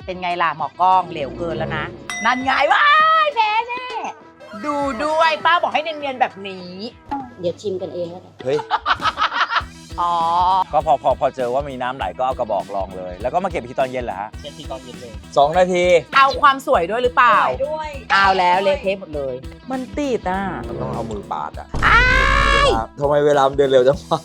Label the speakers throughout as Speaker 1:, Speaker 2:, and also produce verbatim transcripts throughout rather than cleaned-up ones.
Speaker 1: เป็นไงล่ะหมอกล้องเหลวเกินแล้วนะนั่นไงว้ายแพ้แน่ดูด้วยป้าบอกให้เนียนๆแบบนี้
Speaker 2: เดี๋ยวชิมกันเองแล้วกัน
Speaker 3: เฮ้ย
Speaker 1: อ๋อ
Speaker 3: ก็พอพอพอเจอว่ามีน้ำไหลก็เอากระบอกรองเลย แล้วก็มาเก็บทีตอนเย็นเหรอฮะ
Speaker 4: เช็ดทีตอนเย็นเลย
Speaker 3: สองนาที
Speaker 1: เอาความสวยด้วยหรือเปล่า
Speaker 2: ด้วย
Speaker 1: เอาแล้วเละเทะหมดเลย มันติดอ่ะ
Speaker 3: มันต้องเอามือปาดอ่ะทำไมเวลามันเดินเร็วจังวะ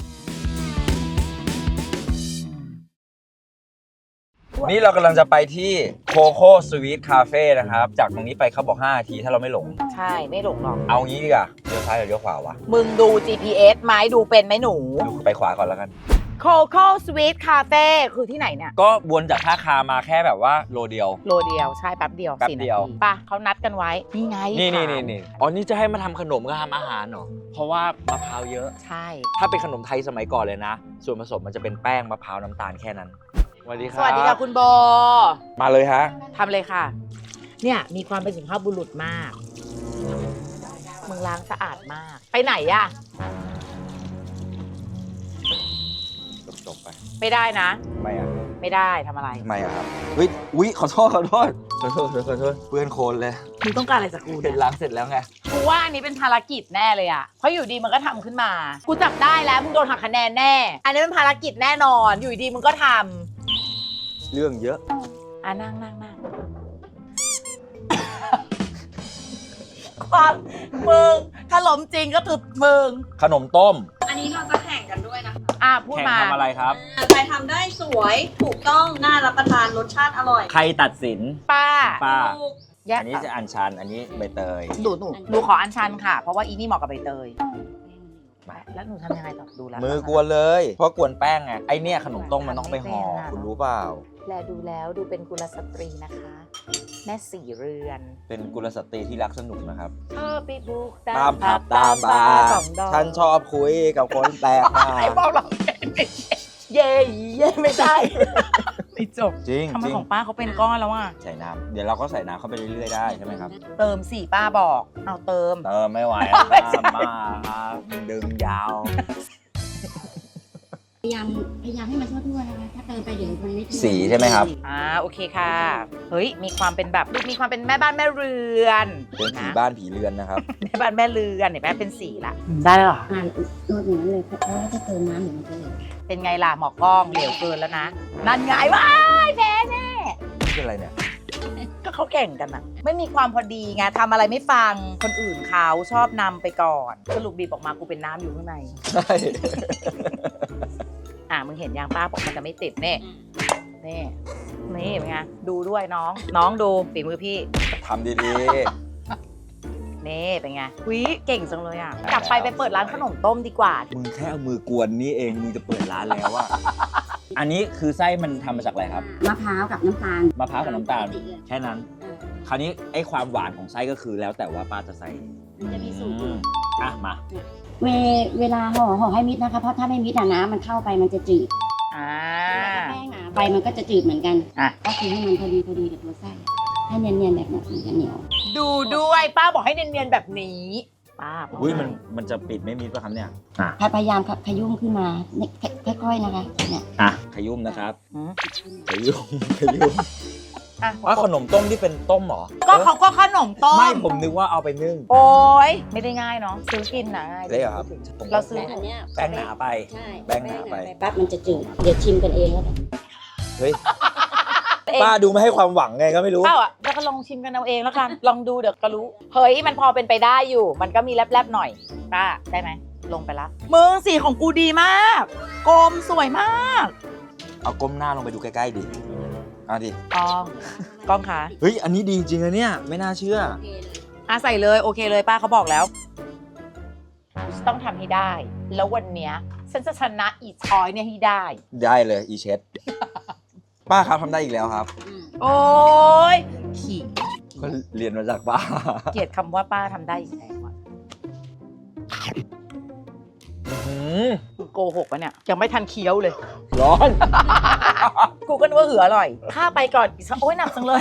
Speaker 3: นี่เรากำลังจะไปที่โคโค่สวีทคาเฟ่นะครับจากตรงนี้ไปเขาบอกห้านาทีถ้าเราไม่หลง
Speaker 1: ใช่ไม่หลงหรอก
Speaker 3: เอางี้ดีกว่าเลี้ยวซ้ายหรือเลี้ยวขวาวะ
Speaker 1: มึงดู จี พี เอส ไหมดูเป็นไหมหนู
Speaker 3: ดูไปขวาก่อนแล้วกัน
Speaker 1: Coco Sweet Cafe คือที่ไหนเนี่ย
Speaker 3: ก็วนจากท่าคามาแค่แบบว่าโลเดียว
Speaker 1: โลเดียวใช่แป๊บเดียว
Speaker 3: แป๊บ
Speaker 1: สี่
Speaker 3: เดียว
Speaker 1: นาทีป่ะเขานัดกันไว้ นี่ไง
Speaker 3: นี่นี่
Speaker 1: ถาม
Speaker 3: นี่นี่อ๋อนี่จะให้มาทำขนมก็ทำอาหารเหรอเพราะว่ามะพร้าวเยอะ
Speaker 1: ใช่
Speaker 3: ถ้าเป็นขนมไทยสมัยก่อนเลยนะ ส่วนผสมมันจะเป็นแป้งมะพร้าวน้ำตาลแค่นั้นสวัสดีครับ
Speaker 1: สวัสดีค่ะคุณโบ
Speaker 3: มาเลยฮะ
Speaker 1: ทำเลยค่ะ เนี่ยมีความเป็นสุภาพบุรุษมากมึงล้างสะอาดมาก ไปไหนอะ
Speaker 3: จบๆไป
Speaker 1: ไม่ได้นะ
Speaker 3: ทำไมอ่ะ
Speaker 1: ไม่ได้ทำอะไร
Speaker 3: ทำไมอ่ะครับเฮ้ยอุ๊ยขอโทษขอโทษขอโทษขอโทษขอโทษเปื้อนโคลนเลย
Speaker 1: มึงต้องการอะไรจากกู
Speaker 3: เห็
Speaker 1: เนี่ย
Speaker 3: นล้างเสร็จแล้วไง
Speaker 1: กูว่าอันนี้เป็นภารกิจแน่เลยอะเพราะอยู่ดีมันก็ทำขึ้นมา กูจับได้แล้วมึงโดนหักคะแนนแน่ อันนี้เป็นภารกิจแน่นอน อยู่ดีมึงก็ทำ
Speaker 3: เรื่องเยอะ
Speaker 1: อ่ะนั่งนั่งนั่งความมึงถ้าล้มจริงก็คือมึง
Speaker 3: ขนมต้ม
Speaker 2: อันนี้เราจะแข่งกันด้วยนะคะ
Speaker 1: อ่ะพูด
Speaker 3: แข่ง
Speaker 1: มา
Speaker 3: ทำอะไรครับ
Speaker 2: ใครทำได้สวยถูกต้องน่ารับประทานรสชาติอร่อย
Speaker 3: ใครตัดสิน
Speaker 1: ป้า
Speaker 3: ป้า
Speaker 2: ถูก
Speaker 1: แยก
Speaker 3: อันนี้จะอัญชันอันนี้ใบเตย
Speaker 1: หนูหนูหนูขออัญชันค่ะ เพราะว่าอีนี่เหมาะกับใบเตยแล้วหนูทำยังไงต่อดูแล้ว
Speaker 3: มือกวนเลย เพราะกวนแป้งไง ไอเนี่ยขนมต้มมันต้องไปห่อ คุณรู้เปล่า
Speaker 1: แลดูแล้วดูเป็นกุลสตรีนะคะ แม่สี่เรือน
Speaker 3: เป็นกุลสตรีที่รักสนุกนะครับ
Speaker 1: ชอบไปบุก
Speaker 3: ตามผับตามบาร์
Speaker 1: สองดอก
Speaker 3: ฉันชอบคุยกับคนแปลกหน้า
Speaker 1: ไอ้บอกเราเย่เย่ไม่ได้ไม่จบ
Speaker 3: จริง
Speaker 1: ทำไม
Speaker 3: จริง
Speaker 1: ของป้าเขาเป็นก้อนแล้วอ่ะ
Speaker 3: ใส่น้ำเดี๋ยวเราก็ใส่น้ำเข้าไปเรื่อยๆได้ใช่ไหมครับ
Speaker 1: เติมสี่ป้าบอก เอาเติม
Speaker 3: เติมไม่ไหว
Speaker 1: ไม่ใช่
Speaker 3: มากครับดึงยาว
Speaker 2: พยายามพยายามให้มันทั่วๆนะคะ ถ้าเติมไปเดี๋ยวมันไม่ทั่ว
Speaker 3: สีใช่ไหมครับ
Speaker 1: อ่าโอเคค่ะ เฮ้ยมีความเป็นแบบมีความเป็นแม่บ้านแม่เรือน
Speaker 3: เป็นผี
Speaker 1: นะ
Speaker 3: บ้านผีเรือนนะครับ
Speaker 1: แม่บ้านแม่เรือนเห็นไหมเป็นสีละได้แล้วเหรอ
Speaker 2: อ่านนวดอย่างนั้นเลยเพราะว่าถ้าเติมน้ำเดี๋ยวมันจะเหลว
Speaker 1: เป็นไงล่ะหมอกล้องเหลวเกินแล้วนะนั่นไงว้ายแพ้แน่
Speaker 3: นี่คืออะไรเนี่ย
Speaker 1: ก็เขาแข่งกันอะไม่มีความพอดีไงทำอะไรไม่ฟังคนอื่นเขาชอบนำไปก่อนสรุปบีบออกมากูเป็นน้ำอยู่ข้างใน
Speaker 3: ใช่
Speaker 1: อ่ะมึงเห็นยางป้าบอกมันจะไม่ติดเน่นี่นี่เป็นไงดูด้วยน้อง น้องดูฝีมือพี่
Speaker 3: ทำดี
Speaker 1: นี่เป็นไงวิเก่งจังเลยอ่ะกลับไปไปเปิดร้านขนมต้มดีกว่า
Speaker 3: ๆ มึงแค่เอามือกวนนี่เอง มึงจะเปิดร้านแล้วอะ อันนี้คือไส้มันทำมาจากอะไรครับ
Speaker 2: มะพร้าวกับน้ำตาล
Speaker 3: มะพร้าวกับน้ำตาล
Speaker 2: ปกติเลย
Speaker 3: แค่นั้น คราวนี้ไอ้ความหวานของไส้ก็คือแล้วแต่ว่าป้าจะใส่
Speaker 2: มันจะมีสูตร
Speaker 3: อืมอ่ะมา
Speaker 2: เวเวลาห่อห่อให้มิดนะคะ เพราะถ้าไม่มิดอะน้ำมันเข้าไปมันจะจืด
Speaker 1: อ่า
Speaker 2: แป้งหนาไปมันก็จะจืดเหมือนกัน
Speaker 1: อ่ะ
Speaker 2: ก็คือให้มันพอดีพอดีกับตัวไส้ให้เนียนๆแบบนี้มันจะเหนียว
Speaker 1: ดูด้วยป้าบอกให้เนียนๆแบบนี้ป้าบอก
Speaker 3: อุ้ย
Speaker 1: ให้
Speaker 3: มันมันจะปิดไม่มิดป่ะครับเนี่ย อ่ะ
Speaker 2: พยายามขยุ่มขึ้นมาเนี่ยค่อยๆนะคะเนี่ย
Speaker 3: อ่ะ ขยุ่มนะครับ
Speaker 1: อืม
Speaker 3: ขยุ่ม ขยุ่ม
Speaker 1: อ่ะ
Speaker 3: ว่าขนมต้มที่เป็นต้มเหรอ
Speaker 1: ก็เขาก็ขนมต้ม
Speaker 3: ไม่ผมนึกว่าเอาไปนึ่ง
Speaker 1: โอ้ยไม่ได้ง่ายเนาะซื้อกินนะง่าย
Speaker 3: ได้เหรอครับ
Speaker 1: เราซื้อ
Speaker 2: แต่อันเนี้ย
Speaker 3: แป้งหนาไป
Speaker 2: ใช่
Speaker 3: แป้งหนาไป
Speaker 2: ปั๊บมันจะจืดเดี๋ยวชิมกันเองแล้วกัน
Speaker 3: เฮ้ย ป้าดูไม่ให้ความหวังไงก็ไม่รู้
Speaker 1: เป้าอ่ะแล้วก็ลองชิมกันเอาเองแล้วกัน ลองดูเดี๋ยวก็รู้ เฮ้ยมันพอเป็นไปได้อยู่ มันก็มีแลบๆหน่อยป้าได้ไหมลงไปละมึงสีของกูดีมากกลมสวยมาก
Speaker 3: เอาก้มหน้าลงไปดูใกล้ๆดิเอาดิ
Speaker 1: อ๋อ กล้องคะ
Speaker 3: เฮ้ย อันนี้ดีจริงนะเนี่ย ไม่น่าเชื่อ
Speaker 1: อ่ะใส่เลยโอเคเลยป้าเขาบอกแล้วต้องทำให้ได้ แล้ววันเนี้ยฉันจะชนะอีชอยเนี่ยให้ได้
Speaker 3: ได้เลยอีเช ด ป้าครับทำได้อีกแล้วครับ
Speaker 1: โอ้ยขี่
Speaker 3: ก็เรียนมาจากป้า
Speaker 1: เกลียดคำว่าป้าทำได้อีกแล้วอะ
Speaker 3: อื้อหือ
Speaker 1: โกหกปะเนี่ยยังไม่ทันเคี้ยวเลย
Speaker 3: ร้อน
Speaker 1: กูก็นึกว่าเหืออร่อยข้าไปก่อนอีกสักโอ้ยหนักจังเลย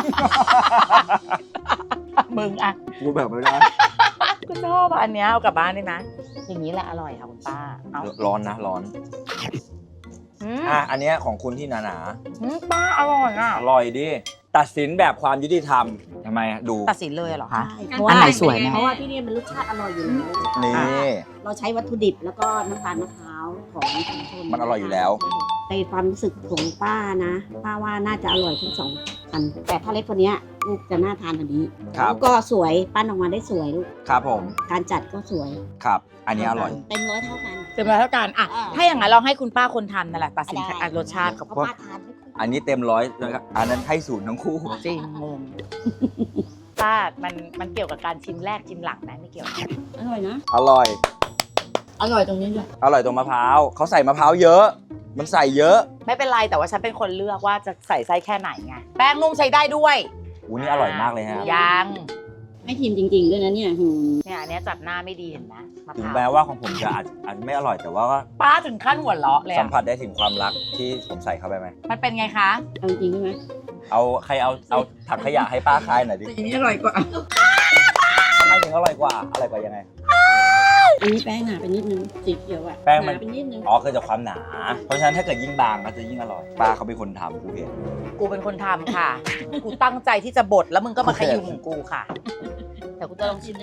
Speaker 1: มึงอะ
Speaker 3: กูแบบไม่ได้
Speaker 1: กูชอบอะอันเนี้ยเอากลับบ้านเลยนะ อย่างนี้แหละอร่อยค่ะคุณป้าเอา
Speaker 3: ร้อนนะ ร้อน
Speaker 1: อืม
Speaker 3: อ่ะอันเนี้ยของคุณที่หนา
Speaker 1: อืมป้าอร่อยอ่ะ
Speaker 3: ๆอร่อยดิตัดสินแบบความยุติธรรมทำไมอะดู
Speaker 1: ตัดสินเลยเหรอคะ
Speaker 2: ใช่
Speaker 1: เพราะว่าอันไหนสวยเนี่ย
Speaker 2: เพราะว่าที่นี่มันรสชาติอร่อยอยู่แล้ว
Speaker 3: นี่
Speaker 2: เราใช้วัตถุดิบแล้วก็น้ำตาลมะพร้าวของชุมชน
Speaker 3: มันอร่อยอยู่แล้ว
Speaker 2: ในความรู้สึกของป้านะป้าว่าน่าจะอร่อยทั้งสองอันแต่ถ้าเล็กกว่านี้ลูกจะน่าทานกว่านี้
Speaker 3: ครับ
Speaker 2: ลูกก็สวยปั้นออกมาได้สวยลูก
Speaker 3: ครับผม
Speaker 2: การจัดก็สวย
Speaker 3: ครับ อันนี้อร่อย
Speaker 2: เต็มร้อยเท่ากัน
Speaker 1: เต็มร้อยเท่ากันอ่ะ
Speaker 2: อ่า
Speaker 1: ถ้าอย่างนั้นเราให้คุณป้าคนทำนั่นแหละตัดสิน
Speaker 2: ได้
Speaker 1: อ่ะรสชาติกับ
Speaker 2: เพ
Speaker 1: พว
Speaker 2: ราะ
Speaker 1: ก
Speaker 2: ป้าทานไม่ค่อย
Speaker 3: อันนี้เต็มร้อยแล้วก็อันนั้นให้ศูนย์ทั้งคู่
Speaker 1: จริงงงป้ามันมันเกี่ยวกับการชิมแรกชิมหลังไหมไม่เกี่ยว
Speaker 2: อร่อยนะ
Speaker 3: อร่อย
Speaker 2: อร่อยตรงนี้ด้วย
Speaker 3: อร่อยตรงมะพร้าวเขาใส่มะพร้าวเยอะ มันใส่เยอะ
Speaker 1: ไม่เป็นไรแต่ว่าฉันเป็นคนเลือกว่าจะใส่ไส้แค่ไหนไงแป้งนุ่มใช้ได้ด้วย
Speaker 3: อู้นี่อร่อยมากเลยฮะ
Speaker 1: ยัง
Speaker 2: ให้ทีมจริง ๆ ด้วยนะเนี่ยหืม
Speaker 1: เนี่ยอันเนี้ยจัดหน้าไม่ดีเห็นไหมมะพ
Speaker 3: ถึง
Speaker 1: ร้าว
Speaker 3: แม้ว่าของผมจะอาจอาจจะไม่อร่อยแต่ว่าก็
Speaker 1: ป้าถึงขั้นหัวเราะเลย
Speaker 3: สัม
Speaker 1: อะ
Speaker 3: ผัสได้ถึงความรักที่ผมใส่เข้าไปไหม
Speaker 1: มันเป็นไงคะ
Speaker 2: เอาจริงใช่ไหม
Speaker 3: เอาใครเอาเอาถังขยะให้ป้าคายหน่อยดิ
Speaker 2: อันนี้อร่อยกว่า
Speaker 3: ทำไมถึงอร่อยกว่าอร่อยกว่ายังไง
Speaker 2: อันนี้แป้งหนาไปนิดนึงสีเขียวอะ
Speaker 3: แป้งมัน
Speaker 2: หาไปนิดนึง
Speaker 3: อ๋อคือจากความหนา เพราะฉะนั้นถ้าเกิดยิ่งบางก็จะยิ่งอร่อย ป้าเขาเป็นคนทำกูเห็น
Speaker 1: กูเป็นคนทำค่ะ กูตั้งใจที่จะบดแล้วมึงก็มาขยุ่มกูค่ะ แต่กูจะลองชิม
Speaker 2: ได้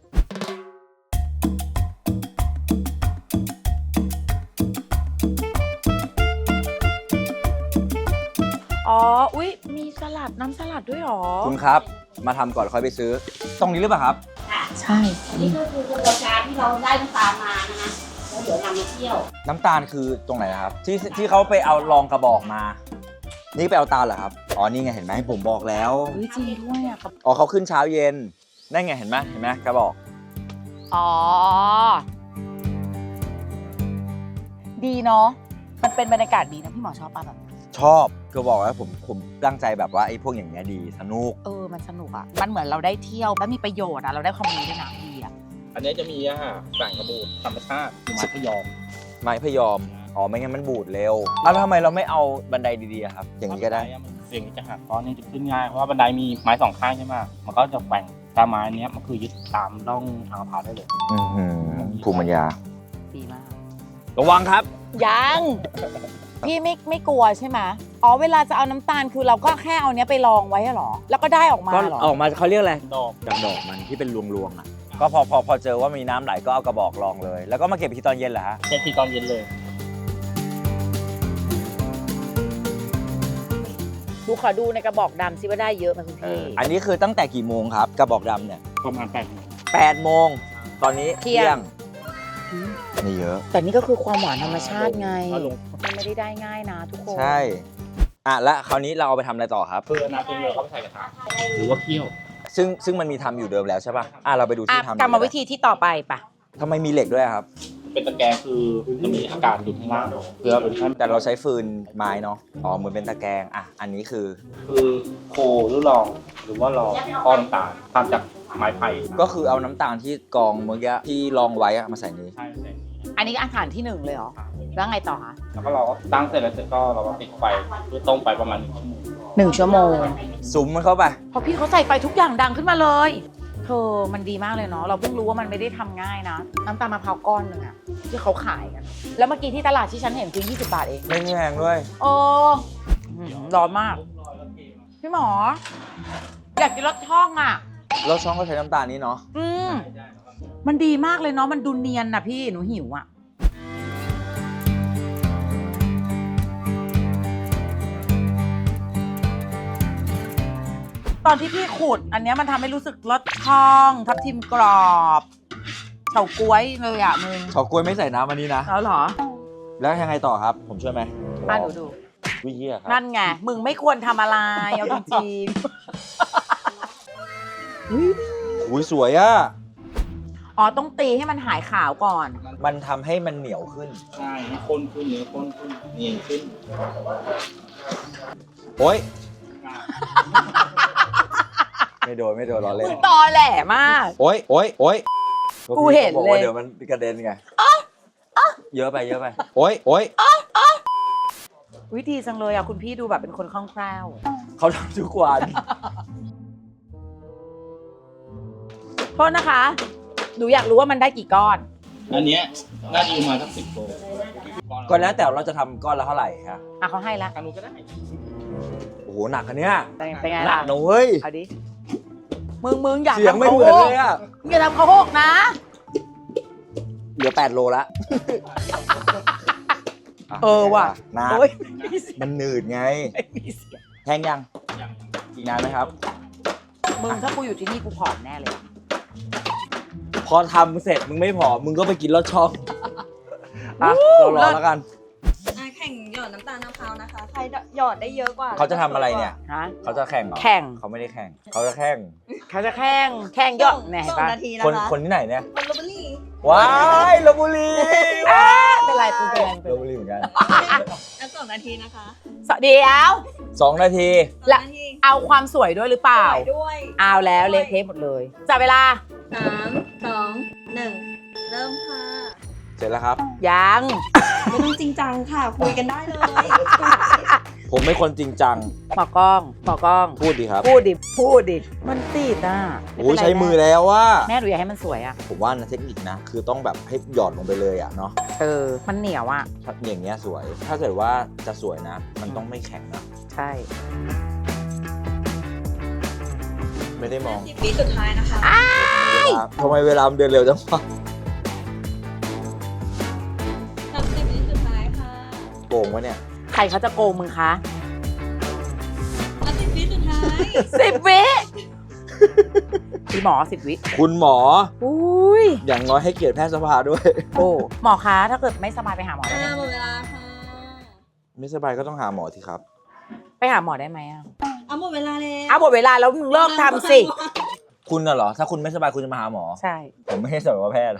Speaker 1: อ๋อ อุ๊ย มีสลัดน้ำสลัดด้วยหรอ
Speaker 3: คุณครับ มาทำก่อนค่อยไปซื้อ ตรงนี้หรือเปล่าครับ
Speaker 1: ใช่
Speaker 2: อันนี้ก็คือกระบวนการที่เราได้น้ำตาลมานะคะแล้วเดี๋ยวนำมาเคี่ยว
Speaker 3: น้ำตาลคือตรงไหนนะครับ ที่ที่เขาไปเอาลองกระบอกมา นี่ไปเอาตาลเหรอครับ อ๋อ นี่ไงเห็นไหมผมบอกแล้ว
Speaker 1: เฮ้ยจริงด้วยอ่ะครับ
Speaker 3: อ๋อเขาขึ้นเช้าเย็น นั่นไงเห็นไหมเห็นไหมกระบอก
Speaker 1: อ๋อ ดีเนาะ มันเป็นบรรยากาศดีนะพี่หมอชอบป่ะแบบ
Speaker 3: ชอบก็บอกว่าผมผมตั้งใจแบบว่าไอ้พวกอย่างเงี้ยดีสนุก
Speaker 1: เออ มันสนุกอ่ะ มันเหมือนเราได้เที่ยวแล้วมีประโยชน์อ่ะ เราได้ความรู้ด้วยนะดีอ่ะ
Speaker 4: อันนี้จะมีอาหารสารกระบูดธรรมชาติคือไม้พะยอม
Speaker 3: ไม้พยอม อ๋อไม่งั้นมันบูดเร็วอ้าวแล้วทำไมเราไม่เอาบันไดดีๆอะครับ อย่างนี้ก็ได้
Speaker 4: เสียงนี้จะหักก้อนนี้จะขึ้นง่าย เพราะว่าบันไดมีไม้สองข้างใช่ไหมมันก็จะแกว่งตามไม้เนี้ยมันคือยึดตามร่องทางมะพร้าวได้เลย
Speaker 3: อือหือภูมิปัญญา
Speaker 1: ดีมาก
Speaker 3: ระวังครับ
Speaker 1: ยัง พี่ไม่ไม่กลัวใช่ไหมอ๋อ เวลาจะเอาน้ำตาลคือเราก็แค่เอาเนี้ยไปลองไว้อะเหรอ แล้วก็ได้ออกมา
Speaker 3: ก็
Speaker 1: เหรอ
Speaker 3: ออกมาเขาเรียกอะไร
Speaker 4: ดอก
Speaker 3: จากดอกมันที่เป็นรวงๆอ่ะ ก็พอพอพอเจอว่ามีน้ำไหลก็เอากระบอกรองเลย แล้วก็มาเก็บอีกทีตอนเย็นเหรอฮะ
Speaker 4: เช็ดทีตอนเย็นเลย
Speaker 1: ดูขอดูในกระบอกดำซิว่าได้เยอะไหมคุณ
Speaker 3: เอ
Speaker 1: พี่
Speaker 3: ออันนี้คือตั้งแต่กี่โมงครับ กระบอกดำเนี่ย
Speaker 4: ประมาณแปดโมง
Speaker 3: แปดโมง ตอนนี้
Speaker 1: เที่ยง
Speaker 3: นี่เยอะ
Speaker 1: แต่นี่ก็คือความหวานธรรมชาติไง
Speaker 4: เอาลง
Speaker 1: มันไม่ได้ได้ง่ายนะทุกคน
Speaker 3: ใช่ อ่ะแล้วคราวนี้เราเอาไปทำอะไรต่อครับ
Speaker 4: คือน้ำตัวเรือเข้าไปใส่กระทะหรือว่าเคี่ยว
Speaker 3: ซึ่งซึ่งมันมีทำอยู่เดิมแล้วใช่ป่ะ อ่ะเราไปดู
Speaker 1: อ่ะ
Speaker 3: ที่ทำ
Speaker 1: กรรมวิธีที่ต่อไปปะ
Speaker 3: ทำไมมีเหล็กด้วยครับ
Speaker 4: เป็นตะแกรงคือจะมีอากาศอยู่ข้างล่างเพื่อเป็นขั้น
Speaker 3: แต่เราใช้ฟืนไม้เนาะ อ๋อเหมือนเป็นตะแกรงอ่ะ อันนี้คือ
Speaker 4: คือโคหรือลองหรือว่าลองก้อนต่างทำจากไม้ไผ่
Speaker 3: ก็คือเอาน้ำตาลที่กรองเมื่อกี้ที่รองไว้อะมาใส่นี้
Speaker 4: ใช่ใช่
Speaker 1: อันนี้อาหารที่หนึ่งเลยเหรอ แล้วไงต่อคะ
Speaker 4: แล้วก็เราก็ตั้งเสร็จแล้วเสร็จก็เราก็ติดไฟเพื่อต้มไปประมาณหนึ่งชั่วโมง
Speaker 1: หนึ่งชั่วโมง
Speaker 3: สุมมันเข้าไป
Speaker 1: พอพี่เขาใส่ไฟทุกอย่างดังขึ้นมาเลย เธอมันดีมากเลยเนาะ เราเพิ่งรู้ว่ามันไม่ได้ทำง่ายนะ น้ำตาลมะพร้าวก้อนหนึ่งอะที่เขาขายกัน แล้วเมื่อกี้ที่ตลาดที่ฉันเห็นคือยี่สิบบาทเอง
Speaker 3: ไม่แพงด้วย
Speaker 1: โอ้อื้อหือร้อนมาก พี่หมอ อยากกินรสช่องอ่ะ
Speaker 3: แล้วช่องก็ใช้น้ำตาลนี้เนาะ
Speaker 1: อืมมันดีมากเลยเนาะ มันดูเนียนนะพี่ หนูหิวอ่ะ ตอนที่พี่ขูด อันเนี้ยมันทำให้รู้สึกรสช่อง ทับทิมกรอบเฉาก๊วยเลยอ่ะมึง
Speaker 3: เฉาก๊วยไม่ใส่น้ำอันนี้นะ
Speaker 1: แล้วเหรอ
Speaker 3: แล้วยังไงต่อครับ ผมช่วยไหม
Speaker 1: อ่ะหนูดู
Speaker 3: วิเฮียครับ
Speaker 1: นั่นไง มึงไม่ควรทำอะไร เอาจริง
Speaker 3: อุ้ยสวยอ่ะ
Speaker 1: ๆ อ๋อ ต้องตีให้มันหายขาวก่อน
Speaker 3: มันทำให้มันเหนียวขึ้น
Speaker 4: ใช่ให้ข้นขึ้นเนื้อข้นขึ้นเนียนขึ้น
Speaker 3: โอ๊ย ไม่โดนไม่โดนล้อเล่น
Speaker 1: มึงตอแหลมาก
Speaker 3: โอ๊ยโอ๊ยโอ๊ย
Speaker 1: กูเห็นเลย
Speaker 3: บอกว่าเดี๋ยวมันกระเด็นไงเยอะไปเยอะไป โอ๊ยโอ๊ย
Speaker 1: วิธีจังเลยอ่ะ คุณพี่ดูแบบเป็นคนคล่องแคล่ว
Speaker 3: เขาทำทุกวัน
Speaker 1: โทษนะคะ หนูอยากรู้ว่ามันได้กี่ก้อน
Speaker 4: อันเนี้ยน่าจะประมาณสักสิบโล
Speaker 3: ก็แล้วแต่เราจะทำก้อนละเท่าไหร่ครับ
Speaker 1: อ่ะเขาให้ละ
Speaker 4: ทางนู้นก็ได้
Speaker 3: โอ้โหหนักอันเนี้ย
Speaker 1: เป็นเป็นไง
Speaker 3: หนั
Speaker 1: ล่ะ
Speaker 3: กนะเว้ย
Speaker 1: เอาดิมึงมึงอย่า
Speaker 3: เสียง
Speaker 1: ทำ
Speaker 3: ไม่
Speaker 1: เขา
Speaker 3: เหมื
Speaker 1: โห
Speaker 3: อน
Speaker 1: ก
Speaker 3: เลยอะ
Speaker 1: มึงอย่าทำเขาโหกนะ
Speaker 3: เหลือแปดโลละะ
Speaker 1: เออว่ะ
Speaker 3: นาน
Speaker 1: โอ้ยไม่มีเสียง
Speaker 3: มันหนืดไง
Speaker 1: ไม่มีเสียง
Speaker 3: แห้งยังอีกนานไหมครับ
Speaker 1: มึงถ้ากูอยู่ที่นี่กูผอมแน่เลย
Speaker 3: พอทำเสร็จมึงไม่พอมึงก็ไปกินลอดช่องอ่ะเรารอแล้วกัน
Speaker 5: อ่ะแข่งหยอดน้ำตาลมะพร้าวนะคะ ใครหยอดได้เยอะกว่า
Speaker 3: เขาจะทำอะไรเนี่ย
Speaker 1: ฮะ
Speaker 3: เขาจะแข่งเหรอ
Speaker 1: แข่ง
Speaker 3: เขาไม่ได้แข่ง เขาจะแข่ง
Speaker 1: เขาจะแข่งแข่งยอดแหน่
Speaker 5: สอง
Speaker 1: ปะ
Speaker 5: นาทีนะ
Speaker 3: คน
Speaker 5: คะ
Speaker 3: คนที่ไหนเนี่ย
Speaker 5: คนลบบุรี
Speaker 3: ว้ายลพบุรี
Speaker 1: เป็นไรเป็นไรเป็น
Speaker 3: ลพ
Speaker 1: ไร
Speaker 3: บุรีเหมือนกัน
Speaker 5: อ่ะสองนาทีนะคะ
Speaker 1: สวัสดีเอา
Speaker 3: สองนาที
Speaker 5: สองนาที
Speaker 1: เอาความสวยด้วยหรือเปล่า
Speaker 5: สวยด้วย
Speaker 1: เอาแล้วเละเทะหมดเลยจับเวลา
Speaker 5: สามสองหนึ่งเริ่มค่ะ
Speaker 3: เสร็จแล้วครับ
Speaker 1: ยัง
Speaker 5: ไม่ต้องจริงจังค่ะ คุยกันได้เลย
Speaker 3: ผมเป็นคนจริงจัง
Speaker 1: หมอกล้องหมอกล้อง
Speaker 3: พูดดีครับ
Speaker 1: พูดดิ พูดดิ มันติดอ่ะไเป็น
Speaker 3: โอ้ย
Speaker 1: ไร
Speaker 3: ใช้มือแล้วว่า
Speaker 1: แม่หนูอยากให้มันสวยอ่ะ
Speaker 3: ผมว่านะเทคนิคนะ คือต้องแบบให้หย่อนลงไปเลยอ่ะเนาะ
Speaker 1: เออ มันเหนียวอ่ะ
Speaker 3: ถ้าอย่างเงี้ยสวย ถ้าเกิดว่าจะสวยนะ มันต้องไม่แข็งนะ
Speaker 1: ใช่
Speaker 3: ไม่ได้มอง
Speaker 5: สิบวิสุดท้ายนะคะ
Speaker 3: ทำไมเวลามันเดินเร็วจังวะ
Speaker 5: สามสิบวิสุดท้ายค่ะ
Speaker 3: โกงวะเนี่ย
Speaker 1: ใครเขาจะโกงมึงคะ
Speaker 5: สามสิบวิสุดท้าย
Speaker 1: สิบวิพี่หมอสิบวิ
Speaker 3: คุณหมอ
Speaker 1: อุ้ย
Speaker 3: อย่างน้อยให้เกียรติแพทยสภาด้วย
Speaker 1: โอ้หมอคะถ้าเกิดไม่สบายไปหาหมอได้
Speaker 5: อ่า
Speaker 1: ไหม
Speaker 5: หมดเวลาค่ะ
Speaker 3: ไม่สบายก็ต้องหาหมอสิครับ
Speaker 1: ไปหาหมอได้ไหมอ่ะ
Speaker 5: เอาหมดเวลาแล้ว
Speaker 1: เอาหมดเวลาแล้วมึงเลิกทำสิ
Speaker 3: คุณน่ะเหรอ ถ้าคุณไม่สบายคุณจะมาหาหมอ
Speaker 1: ใช่
Speaker 3: ผมไม่ใช่สัตวแพทย์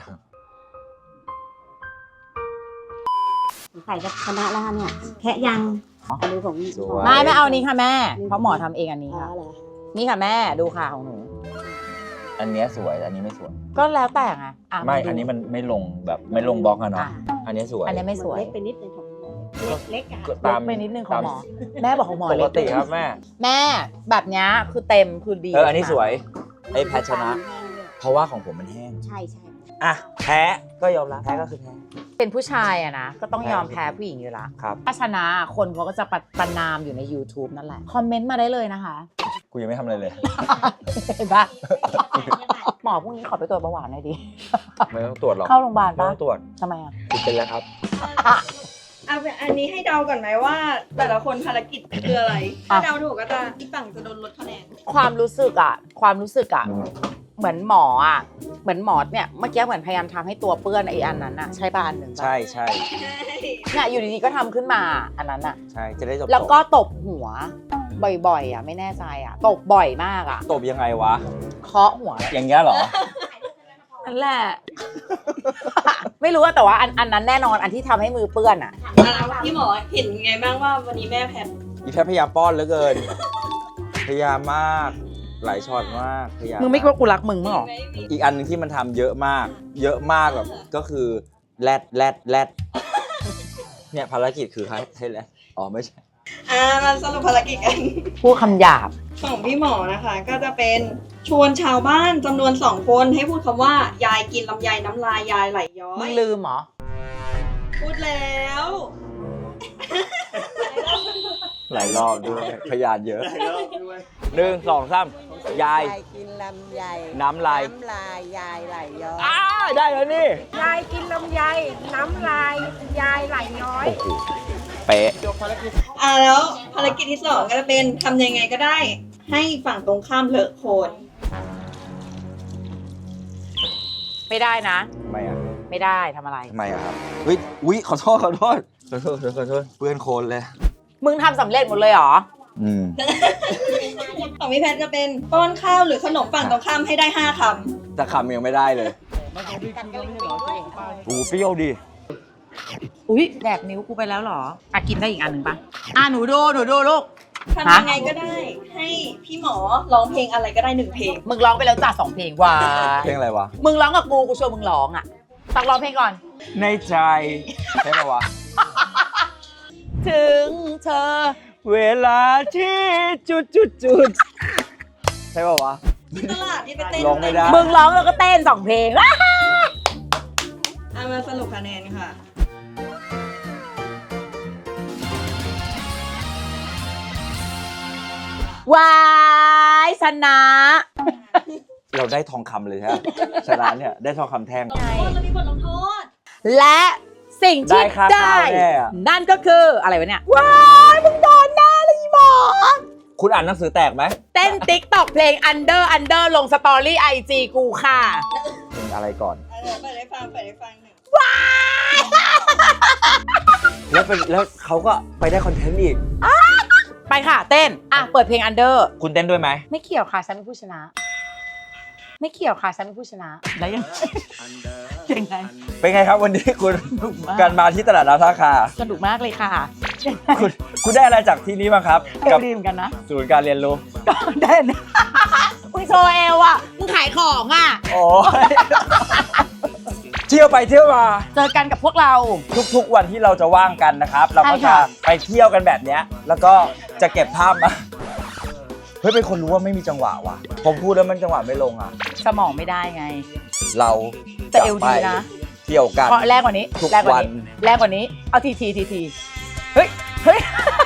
Speaker 2: ใส่กับคณะแล้วค่ะเนี่ย แค่ยังอันนี้ของ
Speaker 3: สวย
Speaker 1: ไม่ไม่เอานี้ค่ะแม่ เพราะหมอทำเองอันนี้
Speaker 2: อ๋อ
Speaker 1: ค่ะ
Speaker 2: เหรอ
Speaker 1: นี่ค่ะแม่ดูค่ะของหนู
Speaker 3: อันเนี้ยสวย อันนี้ไม่สวย
Speaker 1: ก็แล้วแต่ไงอ่ะ
Speaker 3: ไม่
Speaker 1: ดู
Speaker 3: อันนี้มันไม่ลงแบบไม่ลงบล็อกอะเนาะ
Speaker 1: อ่ะ
Speaker 3: อันนี้สวย
Speaker 1: อันนี้ไม่สวย
Speaker 2: เล็กไปนิดนึงของหมอเล็กๆอ่ะ
Speaker 3: ก็
Speaker 1: เล็กไปนิดนึงของหมอ แม่บอกของหมอ
Speaker 3: ป
Speaker 1: เล็
Speaker 3: ก
Speaker 1: ก
Speaker 3: ติครับแม่
Speaker 1: แม่แบบเนี้ยคือเต็มคือดี
Speaker 3: เออ อันนี้สวย ไอ้แพทชนะ เพราะว่าของผมมันแห้ง
Speaker 2: ใช่ใช่
Speaker 3: อ่ะ แพ้ ก็ยอมรับ แพ้ก็คือแพ้
Speaker 1: เป็นผู้ชายอะนะ ก็ต้องยอมแพ้ผู้หญิงอยู่ละ
Speaker 3: ครับ
Speaker 1: ถ้าชนะคนเขาก็จะประประนามอยู่ใน YouTube นั่นแหละ คอมเมนต์มาได้เลยนะคะ
Speaker 3: กูยังไม่ทำอะไรเลย
Speaker 1: เห็นปะหมอพรุ่งนี้ขอไปตรวจเบาหวานหน่อยดิ
Speaker 3: ไม่ต้องตรวจหรอก
Speaker 1: เข้าโรงพยาบาล
Speaker 3: ไม่
Speaker 1: ปะ
Speaker 3: ต้องตรวจ
Speaker 1: ทำไมอะ
Speaker 3: คุณเป็นแล้วครับ
Speaker 5: เอาเป็นอันนี้ให้เดาก่อนไหมว่า แต่ละคนภารกิจคืออะไร ถ้าเดาถูกก็จะอีกฝั่งจะโดนลดคะแนน
Speaker 1: ความรู้สึกอะความรู้สึกอะเหมือนหมออะเหมือนหมอเนี่ยเมื่อกี้เหมือนพยายามทำให้ตัวเปื้อนไอ้อันนั้นอะใช่ป่ะอันหนึ่งปะ
Speaker 3: ใช่ใช่
Speaker 1: เนี่ยอยู่ดีๆก็ทำขึ้นมาอันนั้นอะ
Speaker 3: ใช่ จะได้จบ
Speaker 1: แล้วก็ตบหัวบ่อยๆอะไม่แน่ใจอะตบบ่อยมากอะ
Speaker 3: ตบยังไงวะ
Speaker 1: เคาะหัว
Speaker 3: อย่างเงี้ยเหรอ
Speaker 1: นั่นแหละ ไม่รู้ว่าแต่ว่าอันอันนั้นแน่นอนอันที่ทำให้มือเปื้อนอะ
Speaker 5: อ่ะพี่หมอเห็นไงบ้างว่าวันนี้แม่แพ้
Speaker 3: อีแพทย์พยายามป้อนเหลือเกิน พยายามมาก หลายช็อตมาก พยายาม
Speaker 1: มึงไม่คิดว่ากูรักมึงมั้งหรอ
Speaker 5: ไม่มี
Speaker 3: อีกอันหนึงที่มันทำเยอะมาก เยอะมากแบบ ก็คือแรดแรดแรดเนี่ยภารกิจคือให้ให้แรดอ๋อไม่ใช่
Speaker 5: อ่ามาสรุปภารกิจกัน
Speaker 1: พูดคำหยาบ
Speaker 5: ของพี่หมอนะคะ ก็จะเป็นชวนชาวบ้านจำนวนสองคนให้พูดคำว่า ยายกินลำไยน้ำลายยายไหลย้อ
Speaker 1: มึ
Speaker 5: ย
Speaker 1: งลืมเหรอ
Speaker 5: พูดแล้ว
Speaker 3: หลายรอบด้วยพยานเยอะหนึ่งสองสามยาย
Speaker 6: ยายกินลำไย
Speaker 3: น้ำลาย
Speaker 6: น้ำลายยายไหลย้อย
Speaker 3: อ้าได้แล้วนี่
Speaker 6: ยายกินลำไย น้ำลายยายไหลย้อย
Speaker 3: โอ้โหเป๊ะ
Speaker 5: อ่าแล้วภารกิจที่สองก็จะเป็นทำยังไงก็ได้ ให้ฝั่งตรงข้ามเลอะโคลน
Speaker 1: ไม่ได้นะ
Speaker 3: ทำไมอ่ะ
Speaker 1: ไม่ได้ทำอะไร
Speaker 3: ทำไมอ่ะครับเฮ้ยอุ้ยขอโทษขอโทษขอโทษขอโทษขอโทษเปื้อนโคลนเลย
Speaker 1: มึงทำสำเร็จหมดเลยเหรอ
Speaker 3: อืม
Speaker 5: ของพี่แพทย์จะเป็นป้อนข้าวหรือขนมฝั่งตรงข้ามให้ได้ห้าค
Speaker 3: แต่คำยังไม่ได้เลยโอ้โหเปรี้ยวดิ
Speaker 1: อุ้ยแดกนิ้วกูไปแล้วเหรออ่ะกินได้อีกอันหนึ่งปะอ่ะหนูดูหนูดูลูก
Speaker 5: ำทำยังไงก็ได้ ให้พี่หมอร้องเพลงอะไรก็ได้หนึ่งเพลง
Speaker 1: มึงร้องไปแล้วจ้าสองเพลงว้า
Speaker 3: เพลงอะไรวะ
Speaker 1: มึงร้องกับกูกูชวนมึงร้องอ่ะตักร้องเพลงก่อน
Speaker 3: ในใจใช่ปะวะ
Speaker 1: ถึงเธอ
Speaker 3: เวลาที่จุดจุดจุดใช่ปะวะ
Speaker 5: ที่ตลาดที่ไปเต้น
Speaker 3: ร้องไม่ได้
Speaker 1: มึงร้องแล้วก็เต้นสองเพลงอ่ะ
Speaker 5: เอามาสรุปคะแนนค่ะ
Speaker 1: วายชนะ
Speaker 3: เราได้ทองคำเลยใช่ไหมชนะเนี่ยได้ทองคำแท่ง
Speaker 5: โทษแล้วมีบทลงโทษ
Speaker 1: และสิ่งที่
Speaker 3: ได้ค่า
Speaker 1: ได้
Speaker 3: ข้าวแน่อะ
Speaker 1: นั่นก็คืออะไรวะเนี่ยว้ายมึงโดนหน้าเลยอีหมอ
Speaker 3: คุณอ่านหนังสือแตกไหม
Speaker 1: เต้นติ๊กตอกเพลง under under ลงสตอรี่ไอจีกูค่ะ
Speaker 3: เป็นอะไรก่อน
Speaker 5: เดี๋ยวเปิดให้ฟังเปิดให้ฟังหนึ่ง
Speaker 3: แล้วเป็นแล้วเขาก็ไปได้คอนเทนต์อีก
Speaker 1: ไปค่ะเต้น อ่ะ เปิดเพลง under
Speaker 3: คุณเต้นด้วยไหม
Speaker 1: ไม่เกี่ยวค่ะ ฉันเป็นผู้ชนะ ไม่เกี่ยวค่ะ ฉันเป็นผู้ชนะ แล้วยัง ยังไง
Speaker 3: เป็นไงครับวันนี้คุณ
Speaker 1: สนุกมาก
Speaker 3: การมาที่ตลาดน้ำท่าคา
Speaker 1: สนุกมากเลยค่ะ
Speaker 3: คุณคุณได้อะไรจากที่นี้บ้างครับ
Speaker 1: เอ
Speaker 3: กับ
Speaker 1: วดีเหมือนกันนะ
Speaker 3: ศูนย์การเรียนรู้
Speaker 1: เต้นมึงโชว์เอวอ่ะ มึงขายของอ่ะ
Speaker 3: โอ้ย เที่ยวไปเที่ยวมา
Speaker 1: เจอกันกับพวกเรา
Speaker 3: ทุกๆวันที่เราจะว่างกันนะครับ เราก็
Speaker 1: ใช่
Speaker 3: จะ
Speaker 1: ค่ะ
Speaker 3: ไปเที่ยวกันแบบเนี้ยแล้วก็จะเก็บภาพมาเฮ้ยเป็นคนรู้ว่าไม่มีจังหวะว่ะผมพูดแล้วมันจังหวะไม่ลงอ่ะ
Speaker 1: สมองไม่ได้ไง
Speaker 3: เรา
Speaker 1: แต่
Speaker 3: จะ
Speaker 1: เอว
Speaker 3: ไป
Speaker 1: ดีนะ
Speaker 3: เที่ยวกัน
Speaker 1: เพราะแรงกว่านี้
Speaker 3: ทุก
Speaker 1: แรงกว่า
Speaker 3: วัน
Speaker 1: นี้แรงกว่านี้ เอาทีทีทีทีเฮ้ย เฮ้ย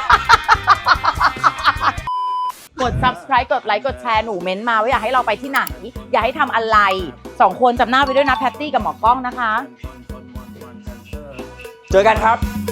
Speaker 1: กด subscribe กดไลค์ กดแชร์ หนูเม้นต์มาว่าอยากให้เราไปที่ไหน อยากให้ทำอะไร สองคนจำหน้าไปด้วยนะ แพตตี้กับหมอกล้องนะคะ
Speaker 3: เจอกันครับ